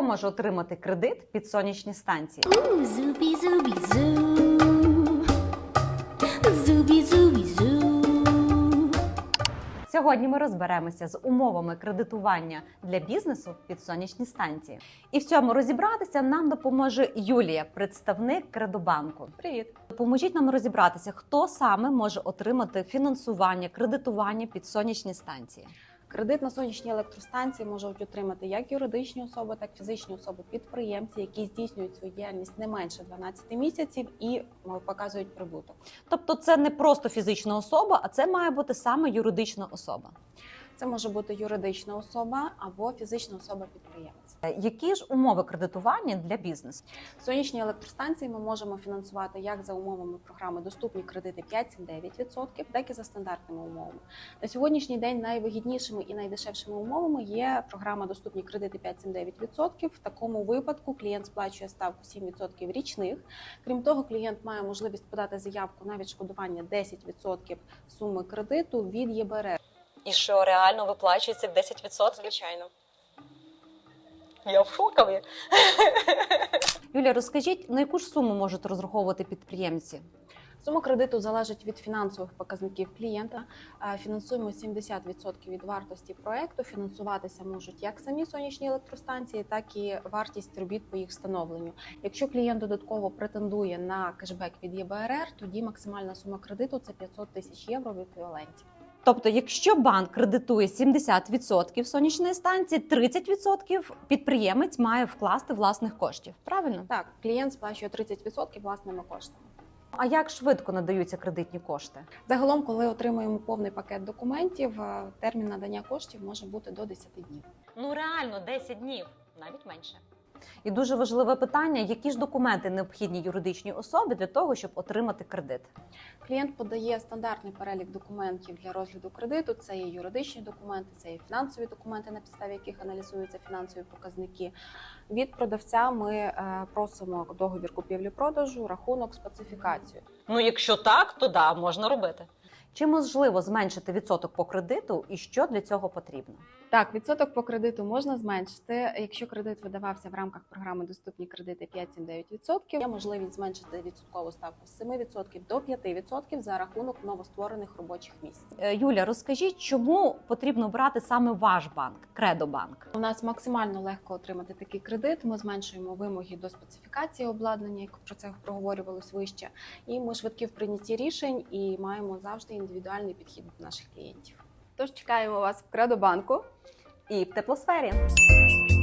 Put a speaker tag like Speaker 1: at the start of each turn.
Speaker 1: Хто може отримати кредит під сонячні станції? Сьогодні ми розберемося з умовами кредитування для бізнесу під сонячні станції. І в цьому розібратися нам допоможе Юлія, представник Кредобанку.
Speaker 2: Привіт!
Speaker 1: Допоможіть нам розібратися, хто саме може отримати фінансування, кредитування під сонячні станції.
Speaker 2: Кредит на сонячні електростанції можуть отримати як юридичні особи, так і фізичні особи-підприємці, які здійснюють свою діяльність не менше 12 місяців і показують прибуток.
Speaker 1: Тобто це не просто фізична особа, а це має бути саме юридична особа.
Speaker 2: Це може бути юридична особа або фізична особа-підприємець.
Speaker 1: Які ж умови кредитування для бізнесу?
Speaker 2: Сонячні електростанції ми можемо фінансувати як за умовами програми «Доступні кредити» 5-9%, так і за стандартними умовами. На сьогоднішній день найвигіднішими і найдешевшими умовами є програма «Доступні кредити» 5-9%. В такому випадку клієнт сплачує ставку 7% річних. Крім того, клієнт має можливість подати заявку на відшкодування 10% суми кредиту від ЄБРР.
Speaker 1: І що реально виплачується 10%?
Speaker 2: Звичайно.
Speaker 1: Я в шокові. Юлія, розкажіть, на яку ж суму можуть розраховувати підприємці?
Speaker 2: Сума кредиту залежить від фінансових показників клієнта. Фінансуємо 70% від вартості проекту. Фінансуватися можуть як самі сонячні електростанції, так і вартість робіт по їх встановленню. Якщо клієнт додатково претендує на кешбек від ЄБРР, тоді максимальна сума кредиту – це 500 тисяч євро в еквіваленті.
Speaker 1: Тобто, якщо банк кредитує 70% сонячної станції, 30% підприємець має вкласти власних коштів. Правильно?
Speaker 2: Так, клієнт сплачує 30% власними коштами.
Speaker 1: А як швидко надаються кредитні кошти?
Speaker 2: Загалом, коли отримуємо повний пакет документів, термін надання коштів може бути до 10 днів.
Speaker 1: Ну реально, 10 днів, навіть менше. І дуже важливе питання, які ж документи необхідні юридичній особі для того, щоб отримати кредит?
Speaker 2: Клієнт подає стандартний перелік документів для розгляду кредиту. Це є юридичні документи, це є фінансові документи, на підставі яких аналізуються фінансові показники. Від продавця ми просимо договір купівлі-продажу, рахунок, специфікацію.
Speaker 1: Ну, якщо так, то да, можна робити. Чи можливо зменшити відсоток по кредиту і що для цього потрібно?
Speaker 2: Так, відсоток по кредиту можна зменшити. Якщо кредит видавався в рамках програми «Доступні кредити» 5-9%, є можливість зменшити відсоткову ставку з 7% до 5% за рахунок новостворених робочих місць.
Speaker 1: Юля, розкажіть, чому потрібно брати саме ваш банк, Кредобанк?
Speaker 2: У нас максимально легко отримати такий кредит. Ми зменшуємо вимоги до специфікації обладнання, як про це проговорювалось вище. І ми швидкі в прийнятті рішень і маємо завжди індивідуальний підхід до наших клієнтів. Тож чекаємо вас в Кредобанку
Speaker 1: І в теплосфері.